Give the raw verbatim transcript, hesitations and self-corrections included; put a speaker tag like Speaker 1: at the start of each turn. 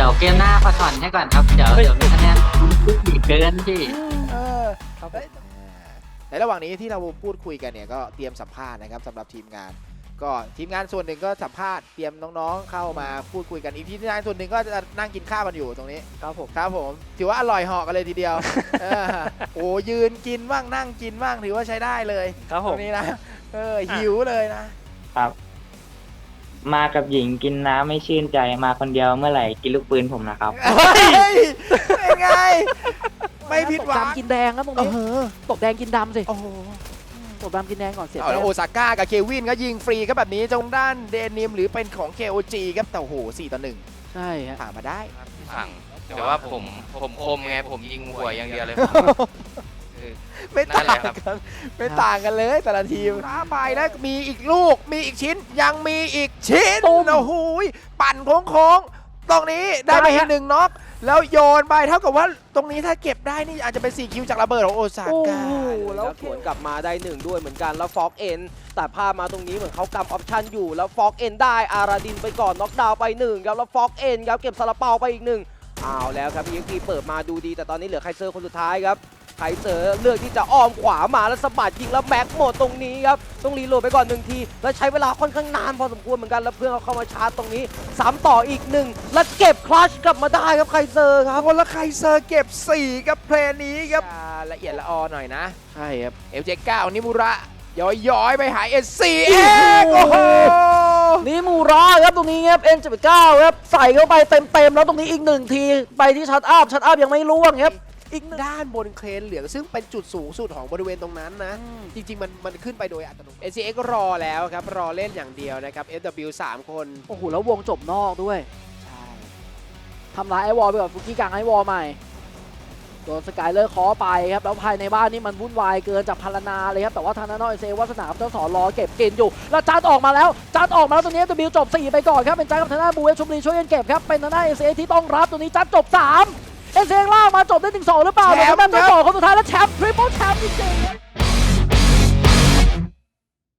Speaker 1: ยวเกมหน้าขอถอนให้ก่อนครับเดี๋ยวเดี๋ยวมีคะแนนดีเกินพี่
Speaker 2: เออ
Speaker 3: ครับ
Speaker 2: เอ้ยในระหว่างนี้ที่เราพูดคุยกันเนี่ยก็เตรียมสัมภาษณ์นะครับสำหรับทีมงาน ก็ทีมงานส่วนหนึ่งก็สัมภาษณ์เตรียมน้องๆเข้ามาพูดคุยกันอีกทีมงานส่วนหนึ่งก็จะนั่งกินข้าวกันอยู่ตรงนี้
Speaker 3: ครับผม
Speaker 2: ครับผมถือว่าอร่อยเหาะกันเลยทีเดียว เออโอ้ยืนกินบ้างนั่งกินบ้างถือว่าใช้ได้เลย
Speaker 3: ครับผ
Speaker 2: ตร
Speaker 3: ม
Speaker 2: งนี้นะเออหิวเลยนะ
Speaker 4: ครับ มากับหญิงกินน้ำไม่ชื่นใจมาคนเดียวเมื่อไหร่กินลูกปืนผมนะครับ
Speaker 2: เฮ้ยเป็นไง ไม่ผิดหวัง
Speaker 5: ตกดำกินแดงครับตรง
Speaker 2: เอ
Speaker 5: นี้
Speaker 2: อ
Speaker 5: ตกแดงกินดำสิ
Speaker 2: โอ้โห
Speaker 5: ตกดำกินแดงก่อนเสีย
Speaker 2: เอาแล้วโอซาก้ากับเควินก็ยิงฟรีครับแบบนี้ตรงด้านเดนิมหรือเป็นของ เค โอ จี ครับแต่โอ้โหสี่ต่อหนึ่ง
Speaker 5: ใช่ฮะ
Speaker 2: ผ่านมาได้
Speaker 6: ฝั่งแต่ว่าผมผมคมไงผมยิงหัวอย่างเดียวเลยคือ
Speaker 2: ไม่ต่าง
Speaker 6: นั่นแหละครับ
Speaker 2: กันไม่ต่างกันเลยแต่ละทีมท้าไปแล้วมีอีกลูกมีอีกชิ้นยังมีอีกชิ้น
Speaker 5: ตุ้ม
Speaker 2: โอ้โหปั่นโค้งๆตรงนี้ได้ไป
Speaker 5: ได้
Speaker 2: อี
Speaker 5: ฮะ
Speaker 2: กหนึ่งน็อกแล้วโยนไปเท่ากับว่าตรงนี้ถ้าเก็บได้นี่อาจจะเป็นสี่คิวจากระเบิดของโอซา
Speaker 5: โอ้
Speaker 2: ก้า
Speaker 5: โห
Speaker 3: แล้
Speaker 5: แล้ว ว
Speaker 3: สวนกลับมาได้หนึ่งด้วยเหมือนกันแล้วฟอกเอ็นแต่ภาพมาตรงนี้เหมือนเขากำออปชั่นอยู่แล้วฟอกเอ็นได้อาราดินไปก่อนน็อกดาวน์ไปหนึ่งครับแล้วฟอกเอ็นครับเก็บซาลาเปาไปอีกหนึ่งเอาแล้วครับพีเอ็กพีเปิดมาดูดีแต่ตอนนี้เหลือไคเซอร์คนสุดท้ายครับไคเซอร์เลือกที่จะอ้อมขวามาแล้วสะบัดยิงแล้วแม็กหมดตรงนี้ครับต้องรีโหลดไปก่อนหนึ่งทีแล้วใช้เวลาค่อนข้างนานพอสมควรเหมือนกันแล้วเพื่อนเขาเข้ามาชาร์จตรงนี้ซ้ำต่ออีกหนึ่งแล้วเก็บคลัชกลับมาได้ครับไคเซอร์ครับ
Speaker 2: คนละไคเซอร์เก็บสี่กับเพลงนี้ครับละเอียดละออหน่อยนะ
Speaker 5: ใช่ครับ
Speaker 2: เอลเจเก้านิมุระย้อยย้อยๆไปหาเอสซีเองโอ้โห
Speaker 5: นี่มูราครับตรงนี้ครับเอ็นเจ็ดเก้าครับใส่เข้าไปเต็มๆแล้วตรงนี้อีกหนึ่งทีไปที่ชัดอัพชัดอัพยังไม่ล่วงครับอีกหนึ่ง
Speaker 2: ด้านบนเครนเหลืองซึ่งเป็นจุดสูงสุดของบริเวณตรงนั้นนะ จริงๆ มันมันขึ้นไปโดยอัตโนมัติ เอ ซี เอ็กซ์ ก็รอแล้วครับ รอเล่นอย่างเดียวนะครับ เอฟ ดับเบิลยู สาม คน
Speaker 5: โอ้โหแล้ววงจบนอกด้วย
Speaker 2: ใช่
Speaker 5: ทำร้ายไอวอลไปก่อนฟุกี้กลางไอวอลใหม่โดนสกายเลอร์เคอไปครับแล้วภายในบ้านนี่มันวุ่นวายเกินจากพารนาเลยครับแต่ว่าทางด้านนอกเอเซวัสนาเจ้าสอนรอเก็บเกณฑ์อยู่แล้วจัดออกมาแล้วจัดออกมาแล้วตรงนี้จะบิวจบสี่ไปก่อนครับเป็นจัดกับทางด้านบูเอชชุมรีช่วยกันเก็บครับเป็นทางด้านเอเซที่ต้องรับตรงนี้จัดจบสามเอเซล่างมาจบได้ถึงสองหรือเปล่าเดี๋ยวทางด้านเจ้าสองคนสุดท้ายแล้วแชมป์ทริปเปิลแชมป์จริงๆ